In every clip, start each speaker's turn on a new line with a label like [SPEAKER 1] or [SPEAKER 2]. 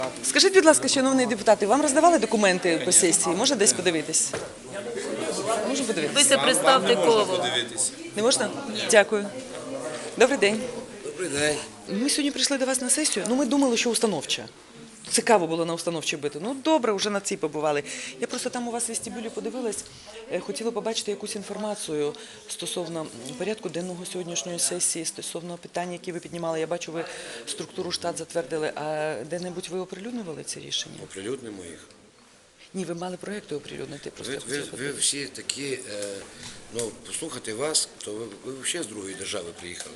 [SPEAKER 1] Скажіть, будь ласка, шановні депутати, вам роздавали документи по сесії? Можна десь подивитись? Можна подивитись?
[SPEAKER 2] Ви представте кого.
[SPEAKER 1] Не можна? Дякую. Добрий день.
[SPEAKER 3] Добрий день.
[SPEAKER 1] Ми сьогодні прийшли до вас на сесію. Ми думали, що установча. Цікаво було на установчій бити. Добре, вже на цій побували. Я просто там у вас в вестибюлі подивилась, хотіла побачити якусь інформацію стосовно порядку денного сьогоднішньої сесії, стосовно питань, які ви піднімали. Я бачу, ви структуру штат затвердили. А де-небудь ви оприлюднювали це рішення?
[SPEAKER 3] Оприлюднимо їх.
[SPEAKER 1] Ні, ви мали проєкти оприлюднити.
[SPEAKER 3] Ви всі такі, послухати вас, то ви взагалі з другої держави приїхали.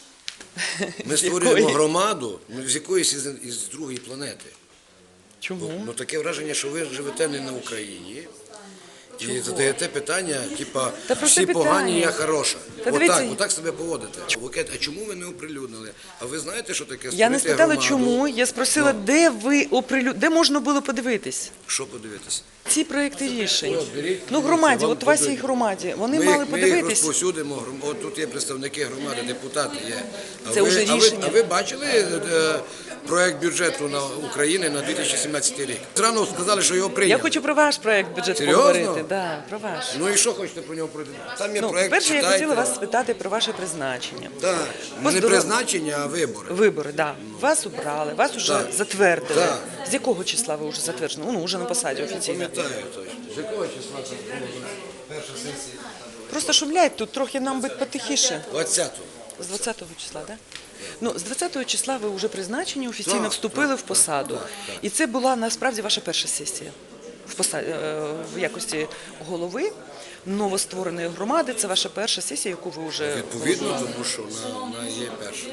[SPEAKER 3] Ми створюємо громаду з якоїсь із другої планети.
[SPEAKER 1] Чому?
[SPEAKER 3] Таке враження, що ви живете не на Україні і задаєте питання, типа, всі погані, я хороша. Отак себе поводите. А чому ви не оприлюднили? А ви знаєте, що таке створити
[SPEAKER 1] Я не спитала,
[SPEAKER 3] громаду?
[SPEAKER 1] чому, я спросила, де можна було подивитись?
[SPEAKER 3] Що подивитися?
[SPEAKER 1] Ці проєкти рішень. Громаді, от у вас є громаді, вони мали
[SPEAKER 3] Ми їх
[SPEAKER 1] подивитись.
[SPEAKER 3] розповсюдимо, от тут є представники громади, депутати є.
[SPEAKER 1] Це вже рішення.
[SPEAKER 3] А ви бачили проєкт бюджету України на 2017 рік? Зрано сказали, що його прийняли.
[SPEAKER 1] Я хочу про ваш проєкт бюджету
[SPEAKER 3] Серйозно?
[SPEAKER 1] поговорити. Да, про ваш.
[SPEAKER 3] Ну і що хочете про нього пройти? Там є проєкт,
[SPEAKER 1] Перше, я
[SPEAKER 3] читайте.
[SPEAKER 1] хотіла вас спитати про ваше призначення.
[SPEAKER 3] Так, не призначення, а вибори.
[SPEAKER 1] Вибори, так. Вас обрали, вас вже затвердили.
[SPEAKER 3] Так.
[SPEAKER 1] З якого числа ви вже затверджені? Ну, вже на посаді офіційно.
[SPEAKER 3] Пам'ятаю точно. З якого числа це було перша сесія?
[SPEAKER 1] Просто шумлять тут, трохи нам би потихіше.
[SPEAKER 3] 20-го.
[SPEAKER 1] З 20-го числа, так? З 20-го числа ви вже призначені, офіційно
[SPEAKER 3] Так,
[SPEAKER 1] вступили в посаду. І це була насправді ваша перша сесія в якості голови новоствореної громади. Це ваша перша сесія, яку ви вже...
[SPEAKER 3] Відповідно, тому що вона є перша.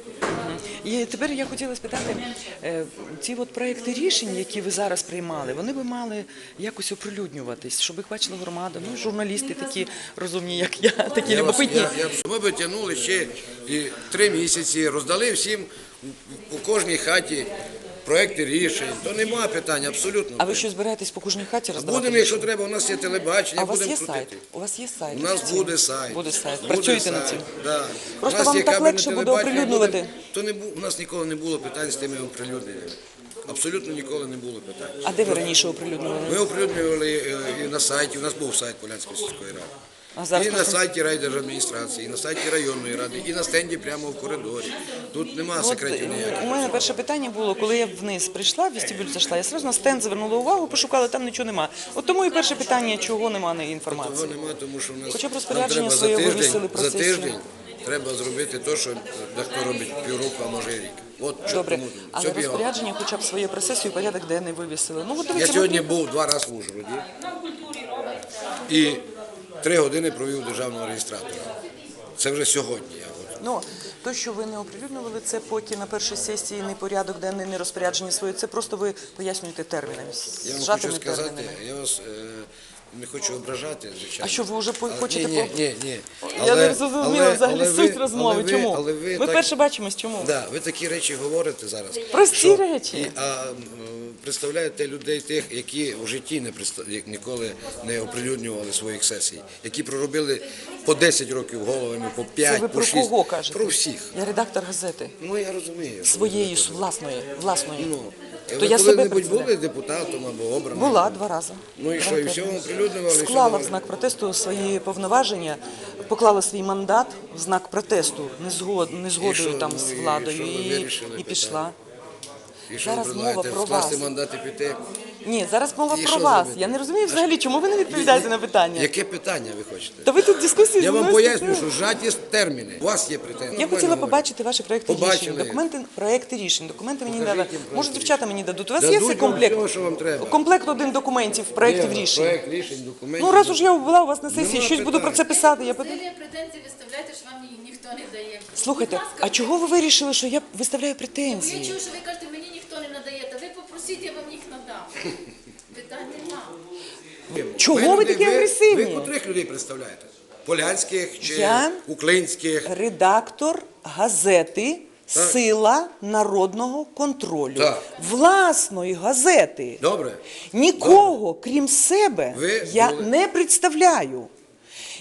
[SPEAKER 1] І тепер я хотіла спитати, ці проекти рішень, які ви зараз приймали, вони би мали якось оприлюднюватись, щоб їх бачила громада, журналісти такі розумні, як я, такі любопитні.
[SPEAKER 3] Ми би тягнули ще 3 місяці, роздали всім у кожній хаті проекти рішень, то немає питань, абсолютно.
[SPEAKER 1] А ви що, збираєтесь по кожній хаті роздавати?
[SPEAKER 3] Будемо, якщо треба, у нас є телебачення,
[SPEAKER 1] А у вас
[SPEAKER 3] будемо
[SPEAKER 1] є
[SPEAKER 3] крутити.
[SPEAKER 1] сайт? У вас є сайт?
[SPEAKER 3] У нас буде сайт.
[SPEAKER 1] Буде сайт. Працюєте над цим?
[SPEAKER 3] Да.
[SPEAKER 1] Просто вам так легше буде оприлюднювати.
[SPEAKER 3] У нас ніколи не було питань з тими оприлюдненнями. Абсолютно ніколи не було питань.
[SPEAKER 1] А де ви раніше оприлюднювали?
[SPEAKER 3] Ми оприлюднювали і на сайті, у нас був сайт Полянської сільської ради.
[SPEAKER 1] А зараз
[SPEAKER 3] І на сайті райдержадміністрації, і на сайті районної ради, і на стенді прямо в коридорі. Тут немає секретів ніяких.
[SPEAKER 1] У мене перше питання було, коли я вниз прийшла, в вестибюль зайшла, я одразу на стенд звернула увагу, пошукала, там нічого нема. От тому і перше питання, чого немає інформації.
[SPEAKER 3] Того немає, тому що в нас
[SPEAKER 1] Хоча б
[SPEAKER 3] нам
[SPEAKER 1] розпорядження
[SPEAKER 3] треба
[SPEAKER 1] своє вивісили про
[SPEAKER 3] за
[SPEAKER 1] сесію.
[SPEAKER 3] тиждень треба зробити те, що дехто робить півроку, а може і рік. От,
[SPEAKER 1] Добре,
[SPEAKER 3] тому
[SPEAKER 1] але
[SPEAKER 3] все бігало.
[SPEAKER 1] розпорядження хоча б своє про сесію, порядок денний вивісили. От
[SPEAKER 3] Я
[SPEAKER 1] дивіться,
[SPEAKER 3] сьогодні був 2 рази в Ужгороді і 3 години провів у державного реєстратора. Це вже сьогодні.
[SPEAKER 1] То, що ви не оприлюднювали, це поки на першій сесії не порядок денний, не розпорядження своє, це просто ви пояснюєте термінами,
[SPEAKER 3] Я вам хочу
[SPEAKER 1] зжатими
[SPEAKER 3] сказати,
[SPEAKER 1] термінами.
[SPEAKER 3] я вас не хочу ображати, звичайно.
[SPEAKER 1] А що, ви вже хочете...
[SPEAKER 3] Ні.
[SPEAKER 1] Я не зрозуміла взагалі суть розмови. Чому? Ми вперше бачимось, чому?
[SPEAKER 3] Так, ви такі речі говорите зараз.
[SPEAKER 1] Прості речі.
[SPEAKER 3] А представляєте людей тих, які в житті ніколи не оприлюднювали своїх сесій, які проробили по 10 років головами, по 5,
[SPEAKER 1] Це ви
[SPEAKER 3] по
[SPEAKER 1] про
[SPEAKER 3] 6.
[SPEAKER 1] кого кажете?
[SPEAKER 3] Про всіх.
[SPEAKER 1] Я редактор газети.
[SPEAKER 3] Я розумію.
[SPEAKER 1] Своєї, власної.
[SPEAKER 3] Ви
[SPEAKER 1] я себе
[SPEAKER 3] коли-небудь
[SPEAKER 1] представляю.
[SPEAKER 3] були депутатом або обраним?
[SPEAKER 1] Була 2 рази.
[SPEAKER 3] Ну і що, і все оприлюднювали?
[SPEAKER 1] Склала в знак протесту свої повноваження, поклала свій мандат в знак протесту, незгодою там з владою і пішла.
[SPEAKER 3] І що
[SPEAKER 1] Зараз
[SPEAKER 3] ви
[SPEAKER 1] мова
[SPEAKER 3] предлагаєте,
[SPEAKER 1] про
[SPEAKER 3] вкласти
[SPEAKER 1] вас.
[SPEAKER 3] мандат і піти?
[SPEAKER 1] Ні, зараз мова
[SPEAKER 3] І
[SPEAKER 1] про
[SPEAKER 3] що
[SPEAKER 1] вас.
[SPEAKER 3] зробити?
[SPEAKER 1] Я не розумію взагалі, чому ви не відповідаєте на питання.
[SPEAKER 3] Яке питання ви хочете?
[SPEAKER 1] Та ви тут дискусії
[SPEAKER 3] Я
[SPEAKER 1] зі
[SPEAKER 3] вам
[SPEAKER 1] мною
[SPEAKER 3] поясню,
[SPEAKER 1] слухаєте.
[SPEAKER 3] що зжаті терміни. У вас є претензії.
[SPEAKER 1] Я хотіла побачити ваші проекти рішень.
[SPEAKER 3] Побачили.
[SPEAKER 1] Проекти рішень. Документи мені не дали.
[SPEAKER 3] їм
[SPEAKER 1] Може,
[SPEAKER 3] проекти
[SPEAKER 1] дівчата мені дадуть. У вас
[SPEAKER 3] Дадуть
[SPEAKER 1] є цей
[SPEAKER 3] вам
[SPEAKER 1] комплект?
[SPEAKER 3] всього, що вам треба.
[SPEAKER 1] Комплект 1 документів, проєктів рішень.
[SPEAKER 3] Проект рішень, документів.
[SPEAKER 1] Ну, раз уж я була у вас на сесії,
[SPEAKER 3] Нема
[SPEAKER 1] щось буду про
[SPEAKER 3] питань.
[SPEAKER 1] це писати.
[SPEAKER 2] Ви претензії виставляєте, що вам ніхто не дає.
[SPEAKER 1] Слухайте,
[SPEAKER 2] Будь ласка,
[SPEAKER 1] а чого ви вирішили, що я виставляю
[SPEAKER 2] Я
[SPEAKER 1] претензії?
[SPEAKER 2] чую, що ви кажете, мені ніхто не надає, та ви попросіть, я вам їх надам. Питань нема.
[SPEAKER 1] Чого ви такі агресивні?
[SPEAKER 3] Ви котрих людей представляєте? Полянських чи
[SPEAKER 1] Я
[SPEAKER 3] уклинських?
[SPEAKER 1] Редактор газети «Сила народного контролю».
[SPEAKER 3] Так.
[SPEAKER 1] Власної газети.
[SPEAKER 3] Добре.
[SPEAKER 1] Нікого, крім себе,
[SPEAKER 3] Ви
[SPEAKER 1] я
[SPEAKER 3] були-
[SPEAKER 1] не представляю.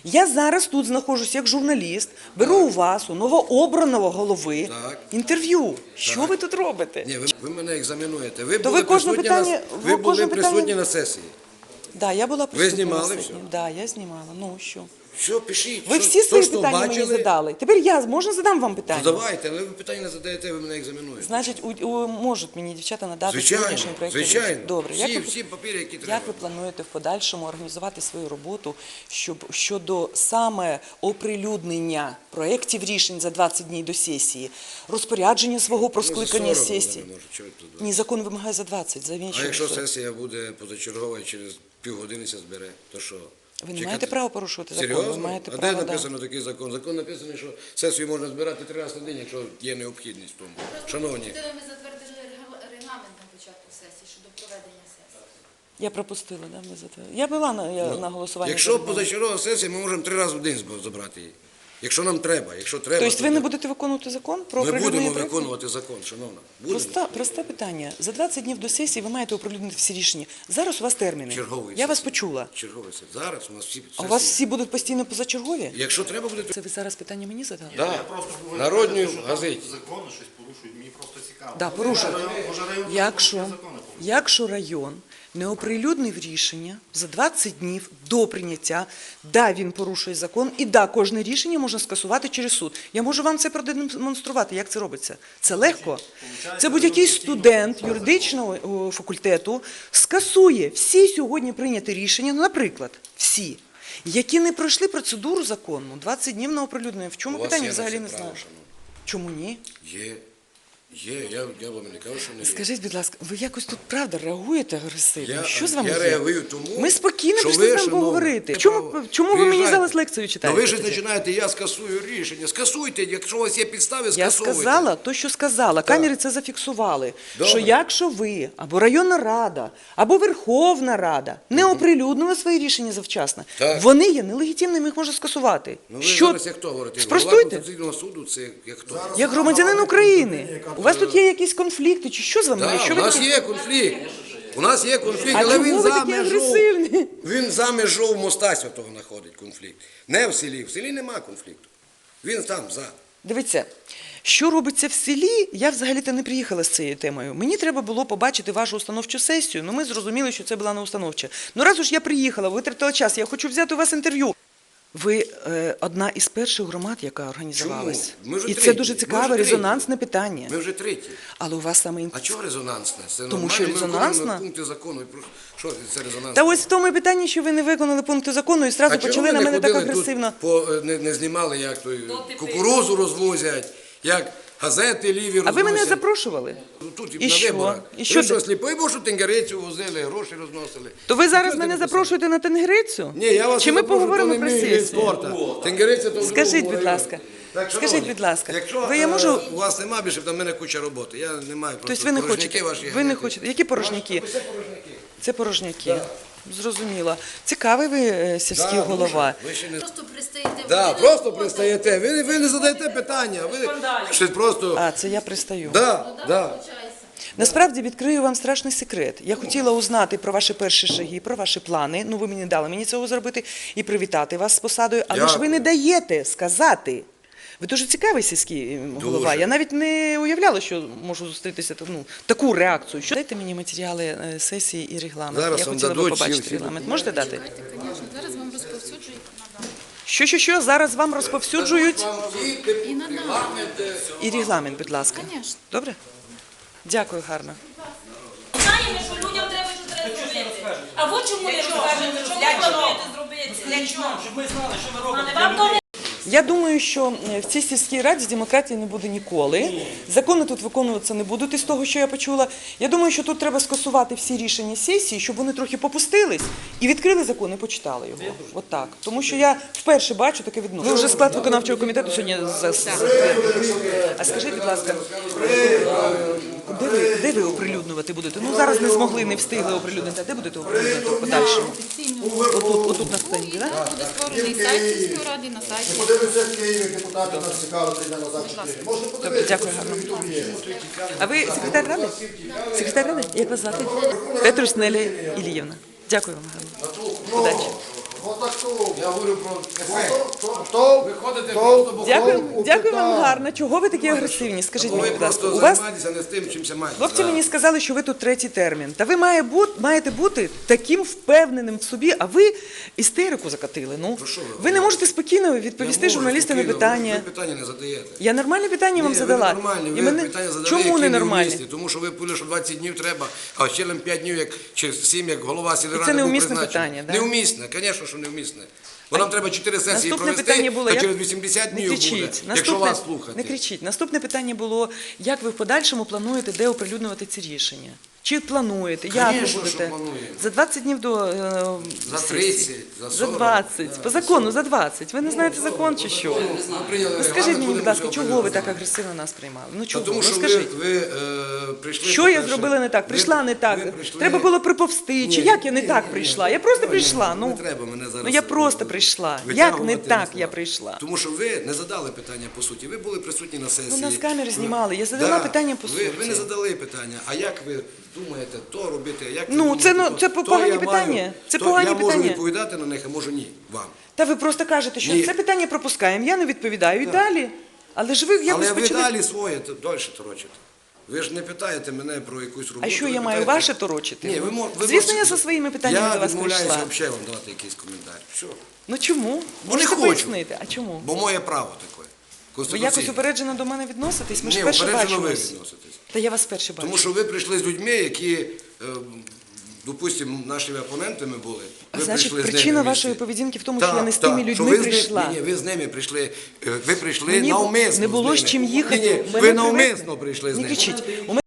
[SPEAKER 1] Я зараз тут знаходжусь як журналіст, беру у вас, у новообраного голови,
[SPEAKER 3] Так.
[SPEAKER 1] інтерв'ю. Що ви тут робите?
[SPEAKER 3] Ні, ви мене екзаменуєте. Ви
[SPEAKER 1] То
[SPEAKER 3] були
[SPEAKER 1] ви кожне
[SPEAKER 3] присутні
[SPEAKER 1] питання-
[SPEAKER 3] ви
[SPEAKER 1] ви
[SPEAKER 3] були
[SPEAKER 1] кожне
[SPEAKER 3] присутні
[SPEAKER 1] питання-
[SPEAKER 3] на сесії.
[SPEAKER 1] Да, я була присутня
[SPEAKER 3] знімали
[SPEAKER 1] на
[SPEAKER 3] все?
[SPEAKER 1] сесії. Да, я знімала. Ну, що?
[SPEAKER 3] Що, пишіть.
[SPEAKER 1] Ви
[SPEAKER 3] що-
[SPEAKER 1] всі свої
[SPEAKER 3] що
[SPEAKER 1] питання мені
[SPEAKER 3] бачили?
[SPEAKER 1] задали. Тепер можна задам вам питання?
[SPEAKER 3] Ну, давайте, але ви питання не задаєте, ви мене екзаменуєте.
[SPEAKER 1] Значить, можуть мені дівчата надати
[SPEAKER 3] Звичайно,
[SPEAKER 1] сьогоднішній проєкт.
[SPEAKER 3] звичайно.
[SPEAKER 1] Добре.
[SPEAKER 3] Всі папіри, які треба.
[SPEAKER 1] Як ви плануєте в подальшому організувати свою роботу щодо саме оприлюднення проєктів рішень за 20 днів до сесії, розпорядження свого про скликання сесії? Ні, закон вимагає за 20, за
[SPEAKER 3] А
[SPEAKER 1] іншого.
[SPEAKER 3] якщо сесія буде позачергова і через півгодини ся збере, то що?
[SPEAKER 1] Ви не
[SPEAKER 3] Чекати?
[SPEAKER 1] маєте права порушувати закон. Ви
[SPEAKER 3] Серйозно?
[SPEAKER 1] маєте
[SPEAKER 3] А
[SPEAKER 1] право,
[SPEAKER 3] де
[SPEAKER 1] да.
[SPEAKER 3] написано такий закон? Закон написаний, що сесію можна збирати 3 рази на день, якщо є необхідність в тому. Шановні,
[SPEAKER 2] Ми затвердили регламент на початку сесії щодо проведення сесії.
[SPEAKER 1] Я пропустила, да, ми затвердили. Я була на голосуванні.
[SPEAKER 3] якщо
[SPEAKER 1] за регламент.
[SPEAKER 3] позачергова сесія, ми можемо 3 рази в день забрати її. Якщо нам треба,
[SPEAKER 1] Тобто
[SPEAKER 3] то
[SPEAKER 1] ви не будете виконувати закон про
[SPEAKER 3] ми
[SPEAKER 1] оприлюднення
[SPEAKER 3] будемо
[SPEAKER 1] проєктів?
[SPEAKER 3] виконувати закон, шановна. Будемо.
[SPEAKER 1] Просте питання. За 20 днів до сесії ви маєте оприлюднити всі рішення. Зараз у вас терміни.
[SPEAKER 3] Черговий
[SPEAKER 1] Я вас
[SPEAKER 3] сесії.
[SPEAKER 1] почула.
[SPEAKER 3] Черговий сесія. Зараз у нас всі
[SPEAKER 1] А у вас
[SPEAKER 3] сесії.
[SPEAKER 1] всі будуть постійно позачергові?
[SPEAKER 3] Якщо треба буде, то
[SPEAKER 1] Це ви зараз питання мені задали?
[SPEAKER 3] да.
[SPEAKER 4] Просто
[SPEAKER 3] Народній
[SPEAKER 4] що там
[SPEAKER 3] газеті.
[SPEAKER 4] закони щось порушують, мені просто цікаво.
[SPEAKER 1] Да, порушують.
[SPEAKER 4] Може, район
[SPEAKER 1] Якщо,
[SPEAKER 4] закони порушує.
[SPEAKER 1] якщо район не оприлюднив рішення за 20 днів до прийняття, да, він порушує закон, і да, кожне рішення можна скасувати через суд. Я можу вам це продемонструвати, як це робиться. Це легко. Це будь-який студент юридичного факультету скасує всі сьогодні прийняті рішення, ну, наприклад, всі, які не пройшли процедуру законну, 20 днів на оприлюднення. В чому
[SPEAKER 3] У вас
[SPEAKER 1] питання
[SPEAKER 3] є на
[SPEAKER 1] взагалі
[SPEAKER 3] це
[SPEAKER 1] не
[SPEAKER 3] право,
[SPEAKER 1] знаю.
[SPEAKER 3] шановні.
[SPEAKER 1] Чому ні?
[SPEAKER 3] Є, я вам не кажу, що не є.
[SPEAKER 1] Скажіть, будь ласка, ви якось тут правда реагуєте агресивно?
[SPEAKER 3] Я-
[SPEAKER 1] Що з вами
[SPEAKER 3] я
[SPEAKER 1] є?
[SPEAKER 3] реагую тому,
[SPEAKER 1] Ми спокійно
[SPEAKER 3] що
[SPEAKER 1] пішли
[SPEAKER 3] ви,
[SPEAKER 1] з вами
[SPEAKER 3] шановні,
[SPEAKER 1] поговорити.
[SPEAKER 3] ви
[SPEAKER 1] Чому ви мені
[SPEAKER 3] приїжджаєте.
[SPEAKER 1] зараз лекцію читаєте?
[SPEAKER 3] Ну ви ж
[SPEAKER 1] тоді?
[SPEAKER 3] починаєте, я скасую рішення. Скасуйте, якщо у вас є підстави,
[SPEAKER 1] Я
[SPEAKER 3] скасовуйте.
[SPEAKER 1] сказала то, що сказала. Камери це зафіксували.
[SPEAKER 3] Добре.
[SPEAKER 1] Що якщо ви, або районна рада, або Верховна Рада не оприлюднили свої рішення завчасно,
[SPEAKER 3] Так.
[SPEAKER 1] вони є нелегітимними, їх можна скасувати.
[SPEAKER 3] Ну ви зараз як хто говорите? Голова
[SPEAKER 1] Спростуйте.
[SPEAKER 3] Конституційного суду це як хто?
[SPEAKER 1] Як громадянин України. У вас тут є якісь конфлікти, чи що з вами?
[SPEAKER 3] Так,
[SPEAKER 1] Що
[SPEAKER 3] у
[SPEAKER 1] ви
[SPEAKER 3] нас
[SPEAKER 1] такі?
[SPEAKER 3] є конфлікт. У нас є конфлікт,
[SPEAKER 1] А
[SPEAKER 3] але
[SPEAKER 1] чому
[SPEAKER 3] він
[SPEAKER 1] ви
[SPEAKER 3] за
[SPEAKER 1] такі
[SPEAKER 3] межою.
[SPEAKER 1] агресивні?
[SPEAKER 3] Він за межою моста святого знаходить конфлікт. Не в селі. В селі нема конфлікту. Він там за.
[SPEAKER 1] Дивіться, що робиться в селі, я взагалі-то не приїхала з цією темою. Мені треба було побачити вашу установчу сесію, ми зрозуміли, що це була не установча. Раз уж я приїхала, витратила час, я хочу взяти у вас інтерв'ю. Ви одна із перших громад, яка організувалась.
[SPEAKER 3] Чому? Ми вже
[SPEAKER 1] І це
[SPEAKER 3] треті.
[SPEAKER 1] дуже
[SPEAKER 3] Ми
[SPEAKER 1] цікаве,
[SPEAKER 3] вже треті.
[SPEAKER 1] резонансне питання.
[SPEAKER 3] Ми вже треті.
[SPEAKER 1] Але у вас саме...
[SPEAKER 3] А чого резонансне? Це
[SPEAKER 1] Тому
[SPEAKER 3] нормально,
[SPEAKER 1] що
[SPEAKER 3] ми
[SPEAKER 1] резонансна?
[SPEAKER 3] виконуємо пункти закону. Що це резонансне?
[SPEAKER 1] Та ось в тому і питанні, що ви не виконали пункти закону і одразу
[SPEAKER 3] чого
[SPEAKER 1] почали
[SPEAKER 3] ви
[SPEAKER 1] на
[SPEAKER 3] не
[SPEAKER 1] мене так
[SPEAKER 3] ходили
[SPEAKER 1] агресивно.
[SPEAKER 3] тут, не знімали, як той кукурузу розвозять, як газети ліві розносять.
[SPEAKER 1] А ви мене запрошували?
[SPEAKER 3] Тут
[SPEAKER 1] І
[SPEAKER 3] на
[SPEAKER 1] що?
[SPEAKER 3] виборах.
[SPEAKER 1] І що
[SPEAKER 3] Ви що,
[SPEAKER 1] ти-
[SPEAKER 3] сліпий був, що тенгерицю возили, гроші розносили?
[SPEAKER 1] То ви зараз
[SPEAKER 3] Чого
[SPEAKER 1] мене
[SPEAKER 3] ти не
[SPEAKER 1] запрошуєте на тенгрицю?
[SPEAKER 3] Ні, я вас
[SPEAKER 1] Чи
[SPEAKER 3] не
[SPEAKER 1] ми
[SPEAKER 3] запрошую,
[SPEAKER 1] поговоримо
[SPEAKER 3] то
[SPEAKER 1] про
[SPEAKER 3] не мій вид
[SPEAKER 1] сесію?
[SPEAKER 3] спорту. Тенгериця то в
[SPEAKER 1] Скажіть,
[SPEAKER 3] другому
[SPEAKER 1] будь
[SPEAKER 3] районі.
[SPEAKER 1] ласка,
[SPEAKER 3] Так,
[SPEAKER 1] скажіть,
[SPEAKER 3] шановні,
[SPEAKER 1] будь ласка,
[SPEAKER 3] якщо
[SPEAKER 1] ви я можу...
[SPEAKER 3] у вас нема більше, там в мене куча роботи. Я не маю просто
[SPEAKER 1] Тобто ви не
[SPEAKER 3] порожняки
[SPEAKER 1] хочете?
[SPEAKER 3] ваші
[SPEAKER 1] Ви не
[SPEAKER 3] ганяти.
[SPEAKER 1] хочете? Які порожняки?
[SPEAKER 3] Це порожняки.
[SPEAKER 1] Це порожняки. Зрозуміло. Цікавий ви сільський
[SPEAKER 3] Да,
[SPEAKER 1] голова.
[SPEAKER 3] Ви ще не...
[SPEAKER 2] Просто пристаєте в
[SPEAKER 3] Да,
[SPEAKER 2] годину
[SPEAKER 3] просто
[SPEAKER 2] роботи.
[SPEAKER 3] пристаєте. Ви не задаєте питання. Ви щось просто...
[SPEAKER 1] А, це я пристаю.
[SPEAKER 3] Да.
[SPEAKER 2] Получається.
[SPEAKER 1] Насправді відкрию вам страшний секрет. Я хотіла узнати про ваші перші шаги, про ваші плани. Ви мені дали мені цього зробити і привітати вас з посадою. Але ж ви
[SPEAKER 3] Дякую.
[SPEAKER 1] не даєте сказати. Ви дуже цікавий сільський голова.
[SPEAKER 3] Дуже.
[SPEAKER 1] Я навіть не уявляла, що можу зустрітися таку реакцію. Дайте мені матеріали сесії і регламент.
[SPEAKER 3] Зараз
[SPEAKER 1] Я
[SPEAKER 3] вам
[SPEAKER 1] хотіла би
[SPEAKER 3] дадуть
[SPEAKER 1] побачити
[SPEAKER 3] всі
[SPEAKER 1] регламент. Можете дати?
[SPEAKER 2] Звісно, зараз вам розповсюджують.
[SPEAKER 1] Що? Зараз вам розповсюджують?
[SPEAKER 2] І надам.
[SPEAKER 1] І регламент, будь ласка.
[SPEAKER 2] Конечно.
[SPEAKER 1] Добре? Дякую, гарно.
[SPEAKER 5] Знаємо, що людям треба щось зробити. А ви чому не розкажете, що ви плануєте зробити? Для чого? Щоб ми знали, що ви робите. Вам то не
[SPEAKER 1] Я думаю, що в цій сільській раді демократії не буде ніколи. Закони тут виконуватися не будуть із того, що я почула. Я думаю, що тут треба скасувати всі рішення сесії, щоб вони трохи попустились і відкрили закон і почитали його. От так. Тому що я вперше бачу таке відношення. Ви вже склад виконавчого комітету сьогодні А скажіть, будь ласка, де ви оприлюднювати будете? Ну зараз не змогли, не встигли оприлюднити. А де будете оприлюднювати в подальшому? Отут на стенді, так?
[SPEAKER 2] Буде створений сайт сільської ради на сайті.
[SPEAKER 6] Подивимося в Києві, депутати нас цікавили 3 дня назад 4. Можна
[SPEAKER 1] Добре,
[SPEAKER 6] подивитися.
[SPEAKER 1] дякую, гарно. А ви секретар ради? Секретар ради? Як вас звати? Петрусь Неля Іліївна. Дякую вам, гарно. Удачі.
[SPEAKER 6] Отак то.
[SPEAKER 3] Я говорю про ефект.
[SPEAKER 6] То,
[SPEAKER 3] Виходите
[SPEAKER 6] то,
[SPEAKER 3] просто
[SPEAKER 1] Дякую вам гарно. Чого ви такі агресивні? Скажіть
[SPEAKER 3] ви
[SPEAKER 1] мені, будь ласка,
[SPEAKER 3] просто
[SPEAKER 1] у вас
[SPEAKER 3] займаєтеся не з тим, чим займаєтеся.
[SPEAKER 1] хлопці мені сказали, що ви тут третій термін. Та ви маєте бути таким впевненим в собі, а ви істерику закатили. Ну,
[SPEAKER 3] Про що ви
[SPEAKER 1] ви не можете спокійно відповісти журналістам на питання.
[SPEAKER 3] Ви питання не задаєте.
[SPEAKER 1] Я нормальне питання вам
[SPEAKER 3] Ні,
[SPEAKER 1] задала.
[SPEAKER 3] ви нормальні,
[SPEAKER 1] І
[SPEAKER 3] ви
[SPEAKER 1] мене-
[SPEAKER 3] питання задали,
[SPEAKER 1] Чому
[SPEAKER 3] які
[SPEAKER 1] не
[SPEAKER 3] не
[SPEAKER 1] нормальні?
[SPEAKER 3] вмісні. Тому що ви пили, що 20 днів треба, а ще 5 днів, як, чи 7, як голова сільради
[SPEAKER 1] це
[SPEAKER 3] був
[SPEAKER 1] неумісне
[SPEAKER 3] призначений.
[SPEAKER 1] питання, да?
[SPEAKER 3] Неумісне, звісно, що неумісне. Бо нам треба 4 сесії
[SPEAKER 1] Наступне
[SPEAKER 3] провести,
[SPEAKER 1] питання було,
[SPEAKER 3] та
[SPEAKER 1] як...
[SPEAKER 3] через 80
[SPEAKER 1] не
[SPEAKER 3] днів буде,
[SPEAKER 1] кричіть.
[SPEAKER 3] якщо вас слухати.
[SPEAKER 1] Не кричіть. Наступне питання було, як ви в подальшому плануєте, де оприлюднювати ці рішення? Чи плануєте? Як ви
[SPEAKER 3] Конечно,
[SPEAKER 1] будете?
[SPEAKER 3] що плануємо.
[SPEAKER 1] За 20 днів до
[SPEAKER 3] За
[SPEAKER 1] сесії?
[SPEAKER 3] 30, за 40.
[SPEAKER 1] За 20. По закону за 20. Ви не знаєте закон чи що?
[SPEAKER 3] Ми прийняли
[SPEAKER 1] Ну, скажіть
[SPEAKER 3] регламент,
[SPEAKER 1] мені, будь
[SPEAKER 3] будемо
[SPEAKER 1] ласка,
[SPEAKER 3] цього
[SPEAKER 1] чого ви
[SPEAKER 3] прийняти.
[SPEAKER 1] так агресивно нас приймали? Ну
[SPEAKER 3] Та
[SPEAKER 1] чого?
[SPEAKER 3] тому
[SPEAKER 1] Ну
[SPEAKER 3] що
[SPEAKER 1] скажіть.
[SPEAKER 3] ви прийшли...
[SPEAKER 1] Що я
[SPEAKER 3] по-перше,
[SPEAKER 1] зробила не так? Prийшла не так.
[SPEAKER 3] ви прийшли-
[SPEAKER 1] Треба було приповзти. Чи
[SPEAKER 3] Ні,
[SPEAKER 1] як я не
[SPEAKER 3] ні,
[SPEAKER 1] так
[SPEAKER 3] ні,
[SPEAKER 1] прийшла?
[SPEAKER 3] ні.
[SPEAKER 1] Я просто
[SPEAKER 3] Ні,
[SPEAKER 1] прийшла.
[SPEAKER 3] ні,
[SPEAKER 1] Ну,
[SPEAKER 3] не треба мене зараз
[SPEAKER 1] ну я просто прийшла. Як не
[SPEAKER 3] витягувати
[SPEAKER 1] так
[SPEAKER 3] на
[SPEAKER 1] я
[SPEAKER 3] слова.
[SPEAKER 1] прийшла?
[SPEAKER 3] Тому що ви не задали питання по суті. Ви були присутні на сесії.
[SPEAKER 1] Ну, нас камери знімали. Я задала питання по суті.
[SPEAKER 3] Ви не задали питання. А як ви думаєте то робити? Як ви
[SPEAKER 1] Ну,
[SPEAKER 3] думаєте,
[SPEAKER 1] це, ну,
[SPEAKER 3] то?
[SPEAKER 1] це
[SPEAKER 3] То
[SPEAKER 1] погані
[SPEAKER 3] я
[SPEAKER 1] питання.
[SPEAKER 3] маю-
[SPEAKER 1] Це
[SPEAKER 3] то
[SPEAKER 1] погані
[SPEAKER 3] я можу
[SPEAKER 1] питання.
[SPEAKER 3] відповідати на них, а можу ні. Вам.
[SPEAKER 1] Та ви просто кажете, що
[SPEAKER 3] Ні.
[SPEAKER 1] це питання пропускаємо, я не відповідаю і далі. Але ж ви якось
[SPEAKER 3] Але ви
[SPEAKER 1] почали...
[SPEAKER 3] далі своє далі торочите. Ви ж не питаєте мене про якусь роботу.
[SPEAKER 1] А що
[SPEAKER 3] ви
[SPEAKER 1] я маю
[SPEAKER 3] питаєте-
[SPEAKER 1] ваше торочити?
[SPEAKER 3] Ні, ви
[SPEAKER 1] Звісно, я зі своїми питаннями до вас
[SPEAKER 3] Я
[SPEAKER 1] прийшла.
[SPEAKER 3] відмовляюся взагалі вам давати якийсь коментар. Все.
[SPEAKER 1] Ну чому?
[SPEAKER 3] Бо не
[SPEAKER 1] Можете
[SPEAKER 3] хочу.
[SPEAKER 1] пояснити, а чому?
[SPEAKER 3] Бо моє право таке.
[SPEAKER 1] Ви
[SPEAKER 3] Конституційне.
[SPEAKER 1] якось упереджено до мене відноситесь? Ми ж
[SPEAKER 3] Ні,
[SPEAKER 1] вперше
[SPEAKER 3] упереджено ви
[SPEAKER 1] бачимось.
[SPEAKER 3] відноситесь.
[SPEAKER 1] Та я вас вперше бачу.
[SPEAKER 3] Тому що ви прийшли з людьми, які, допустимо, нашими опонентами були. Ви
[SPEAKER 1] Значить,
[SPEAKER 3] прийшли з
[SPEAKER 1] причина
[SPEAKER 3] ними
[SPEAKER 1] вашої
[SPEAKER 3] вместе.
[SPEAKER 1] поведінки в тому,
[SPEAKER 3] Так,
[SPEAKER 1] що я не з
[SPEAKER 3] так,
[SPEAKER 1] тими
[SPEAKER 3] що
[SPEAKER 1] людьми
[SPEAKER 3] ви з ними-
[SPEAKER 1] прийшла.
[SPEAKER 3] Ні, ви з ними прийшли, ви прийшли
[SPEAKER 1] Мені
[SPEAKER 3] навмисно
[SPEAKER 1] не було
[SPEAKER 3] з
[SPEAKER 1] з
[SPEAKER 3] ними.
[SPEAKER 1] чим їхати.
[SPEAKER 3] Ні, ні,
[SPEAKER 1] Мене
[SPEAKER 3] ви
[SPEAKER 1] привезли.
[SPEAKER 3] навмисно прийшли з
[SPEAKER 1] Не
[SPEAKER 3] ними.
[SPEAKER 1] кричіть.